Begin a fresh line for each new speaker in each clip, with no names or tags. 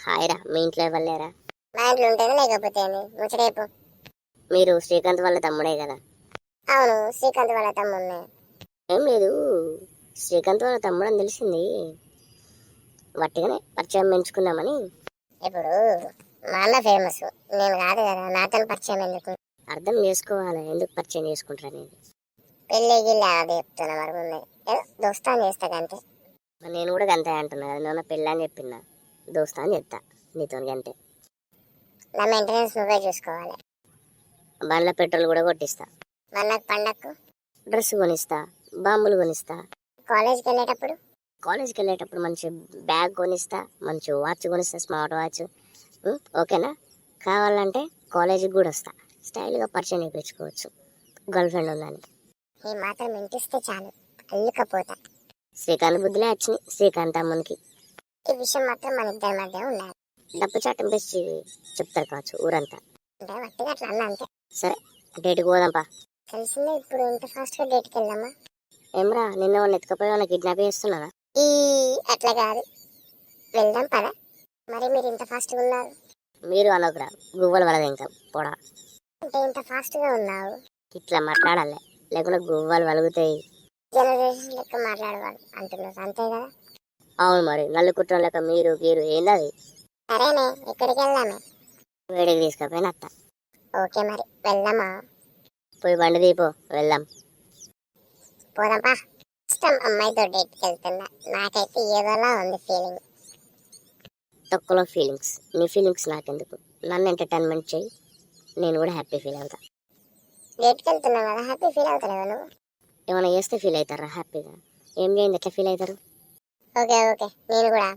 Hi రా, మీ ఇంట్లో ఇవ్వలేరా?
మా ఇంట్లో ఉంటేనే లేకపోతే ముచ్చటేపు.
మీరు శ్రీకాంత్ వాళ్ళ తమ్ముడే కదా?
అవును, శ్రీకాంత్ వాళ్ళ తమ్ముడిని.
ఏం లేదు, శ్రీకాంత్ వాళ్ళ తమ్ముడు అని తెలిసింది, వట్టిగానే పరిచయం పెంచుకుందామని.
ఇప్పుడు మా అన్న ఫేమస్, నేను కాదు కదా, నాతో పరిచయం ఎందుకు?
అర్థం చేసుకోవాలి, ఎందుకు పరిచయం చేసుకుంటారు అనేది.
పెళ్ళి గిల్లి అది చెప్తున్నా, మరి ముందే ఏదో దోస్తాను చేస్తా అంతే.
నేను కూడా గంతే అంటున్నా కదా, నేను పెళ్ళి అని చెప్పినా, దోస్తా అని చెప్తా నీతో గంతే.
నా మెయింటెనెన్స్ నువ్వే చూసుకోవాలి.
బండ్ల పెట్రోల్ కూడా కొట్టిస్తా,
వాళ్ళకి పండక్కు
డ్రెస్ కొనిస్తా, బాంబులు కొనిస్తా.
కాలేజ్కి వెళ్ళేటప్పుడు
మంచి బ్యాగ్ కొనిస్తా, మంచి వాచ్ కొనిస్తా, స్మార్ట్ వాచ్. ఓకేనా? కావాలంటే కాలేజీకి కూడా వస్తా, స్టైల్గా పరిచయం చేయించుకోవచ్చు గర్ల్ ఫ్రెండ్ ఉందని.
ఈ మాత్రం ఇంటిస్తే చాలు, అల్లుకపోతా.
శ్రీకాంత్ బుద్ధులే వచ్చినాయి శ్రీకాంత్ అమ్మనికి.
ఈ విషయం మాత్రం మన ఇద్దరి మధ్య ఉండాలి.
డబ్బు చాటం పెంచి చెప్తారు కావచ్చు ఊరంతా.
అంటే వట్టిగా అట్లా అన్నా అంతే.
సరే, డేట్కి పోదాంపా.
తెలిసిందే, ఇప్పుడు ఇంత ఫాస్ట్గా డేట్కి వెళ్దామా?
ఏమ్రా, నిన్న వాళ్ళని ఎత్తుకపోయి వాళ్ళని కిడ్నాప్ చేస్తున్నారా?
అట్లా కాదు, వెళ్దాం పదా. మరి మీరు ఇంత ఫాస్ట్గా ఉన్నారు?
మీరు అనొకరా, గువ్వలు వలదు ఇంకా పొడ.
అంటే ఇంత ఫాస్ట్గా ఉన్నావు.
ఇట్లా మాట్లాడాలి, లేకుండా గువ్వలు వలుగుతాయి.
జనరేషన్ లెక్క మాట్లాడేవాళ్ళు అంటున్నారు, అంతే కదా?
అవును, మరి నల్లు కుట్రం లెక్క మీరు గీరు ఏందది?
సరేనే, ఎక్కడికి వెళ్దామే?
వేడికి తీసుకపోయిన అత్త.
ఓకే, మరి వెళ్దామా?
పోయి బండి దీపో, వెళ్దాం.
పోదాంపా. ఇష్టం అమ్మాయితో డేట్కి వెళ్తున్నా, నాకైతే ఏదోలా ఉంది ఫీలింగ్.
తక్కువలో ఫీలింగ్స్, నీ ఫీలింగ్స్ నాకెందుకు? నన్ను ఎంటర్టైన్మెంట్ చేయి, నేను కూడా హ్యాపీ ఫీల్ అవుతా.
డేట్కి వెళ్తున్నావు కదా, హ్యాపీ ఫీల్ అవుతలేవు నువ్వు?
ఏమైనా చేస్తే ఫీల్ అవుతారా హ్యాపీగా? ఏం చేయండి ఎట్లా ఫీల్ అవుతారు?
ఓకే ఓకే, నేను కూడా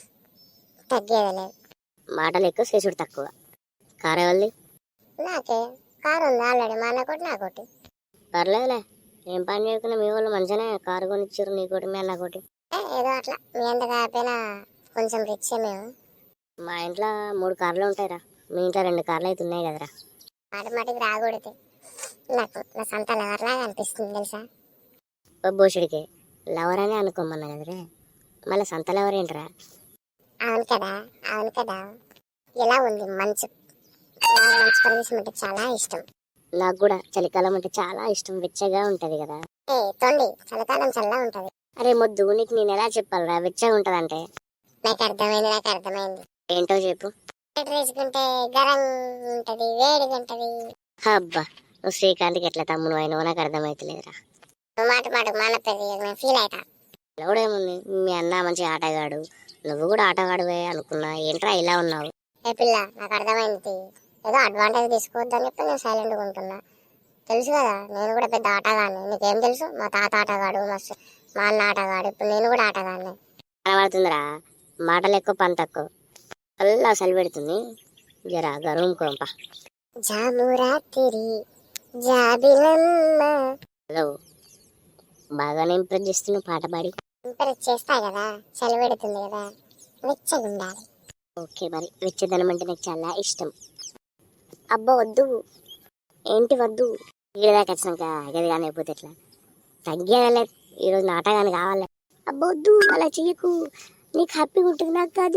తగ్గేది లేదు.
మాటలు ఎక్కువ, చేసుడు తక్కువ. కారు ఎవరిది?
నాకే కారు ఉంది ఆల్రెడీ, మా అన్నకోటి నాకోటి.
పర్లేదులే, ఏం పని చేయకుండా మీ వాళ్ళు మంచిగానే కారు కొనిచ్చారు, నీకోటి మీ అన్నకోటి.
ఏదో అట్లా, మీ అంత కాకపోయినా కొంచెం రిచ్ మేము.
మా ఇంట్లో 3 కార్లు ఉంటాయిరా, మీ ఇంట్లో 2 కార్లు అయితే ఉన్నాయి కదరా.
మాటికి రాకూడదు, నాకు నా సొంత లవర్లాగా అనిపిస్తుంది తెలుసా.
బోషుడికి లవర్ అని అనుకోమన్నా కదరే, మళ్ళీ సంత లవర్ ఏంట్రా?
అవును కదా, అవును కదా. ఎలా ఉంది మంచు? మంచు ప్రదేశం అంటే చాలా ఇష్టం.
నాకు కూడా చలికాలం అంటే చాలా ఇష్టం, వెచ్చగా ఉంటది కదా.
తొండి చలికాలం చల్లగా ఉంటది.
అరే మొద్దు, నీకు నేను ఎలా చెప్పాలరా వెచ్చగా ఉంటదంటే?
నాకు అర్థమైంది.
ఏంటో చెప్పు.
వేసుకుంటే గరం ఉంటది, వేడిగా ఉంటది.
అబ్బా, నువ్వు శ్రీకాంత్కి ఎట్లా తమ్ముడు అయినవో నాకు అర్థమైతలేదురా.
మాట మన పెద్ద ఫీల్ అవుతా.
ఎవడేముంది, మీ అన్న మంచి ఆటగాడు, నువ్వు కూడా ఆటగాడువే అనుకున్నా, ఏంట్రా ఇలా ఉన్నావు?
ఏ పిల్ల, నాకు అర్థమైంది. ఏదో అడ్వాంటేజ్ తీసుకోవద్దని చెప్పి నేను సైలెంట్గా ఉంటున్నా. తెలుసు కదా, నేను కూడా పెద్ద ఆటగాడిని. నీకేం తెలుసు? మా తాత ఆటగాడు, మా అన్న ఆటగాడు, ఇప్పుడు నేను కూడా ఆటగాడిని.
కనబడుతుందిరా, మాటలు ఎక్కువ పని తక్కువ. అల్లా అసలు పెడుతుంది, జరా గర్వం కోంప.
జామురాతిరి జాబిలమ్మ.
హలో, బాగానే ఇంప్రెస్ చేస్తున్నావు పాట పాడి.
ఇంప్రెస్ చేస్తా కదా, చలి పెడుతుంది కదా, వెచ్చగా ఉండాలి.
ఓకే, మరి వెచ్చదనం అంటే నాకు చాలా ఇష్టం. అబ్బా వద్దు. ఏంటి వద్దు? ఈడదాకా వచ్చినాక గది కానీ అయిపోతే ఎట్లా? తగ్గేదలే, ఈరోజు నాటకాన్ని కావాలి. అబ్బా వద్దు, అలా చెయ్యకు, నీకు హ్యాపీగా ఉంటుంది, నాకు కాదు.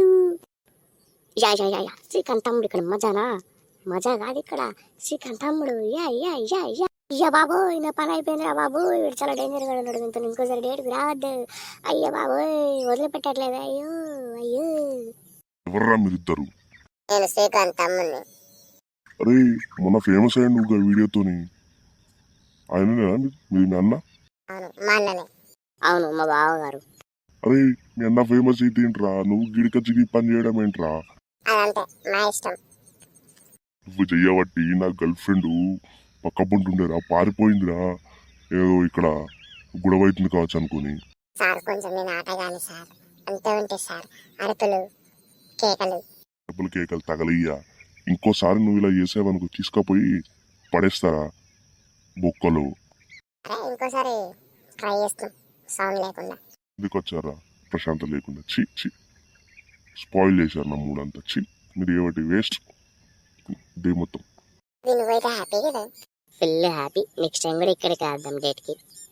Yeah yeah yeah yeah, Srikanth తమ్ముడు ఇక్కడ మజానా? మజా కాదు ఇక్కడ, శ్రీకాంత్ తమ్ముడు. Yeah yeah yeah yeah. అయ్యా బాబోయ్, నా పని అయిపోయిందిరా బాబోయ్, వీడు చాలా డేంజర్గా ఉన్నాడు, ఇంత ఇంకోసారి డేట్కి రావద్దు. అయ్యా బాబోయ్, వదిలిపెట్టట్లేదు, అయ్యో అయ్యో.
ఎవర్రా మీరిద్దరు?
నేను శ్రీకాంత్ తమ్ముడిని.
అరే, మొన్న ఫేమస్ అయ్యాడు నువ్వు వీడియోతోని, ఆయననేనా మీ అన్న?
అవును, మా అన్ననే.
అవును, మా బావగారు.
అరే, మీ అన్న ఫేమస్ అయితే ఏంట్రా, నువ్వు గిడికొచ్చి పని చేయడం ఏంట్రా?
అదంతే మా ఇష్టం.
నువ్వు చెయ్యబట్టి నా గర్ల్ ఫ్రెండ్ పక్క పొంటుండేరా, పారిపోయిందిరా. ఏదో ఇక్కడ గొడవ అవుతుంది కావచ్చు అనుకుని.
సార్ కొంచెం నేను ఆటగాని సార్, అంతే ఉంటే సార్. అరుపులు కేకలు.
డబ్బులు కేకలు తగలయ్యా. ఇంకోసారి నువ్వు ఇలా చేసావనుకో, తీసుకుపోయి పడేస్తారా బొక్కలు.
అరే ఇంకోసారి ట్రై చేస్తాం, సౌండ్ లేకుండా.
ఎందుకు వచ్చారా ప్రశాంతం లేకుండా? చి చి, స్పాయిల్ చేశారు నా మూడంతా. చి, మీరు ఏమిటి వేస్ట్ డే మొత్తం.
నువ్వైతే హ్యాపీ కదా?
Full happy. నెక్స్ట్ టైం కూడా ఇక్కడికి వేద్దాం డేట్కి.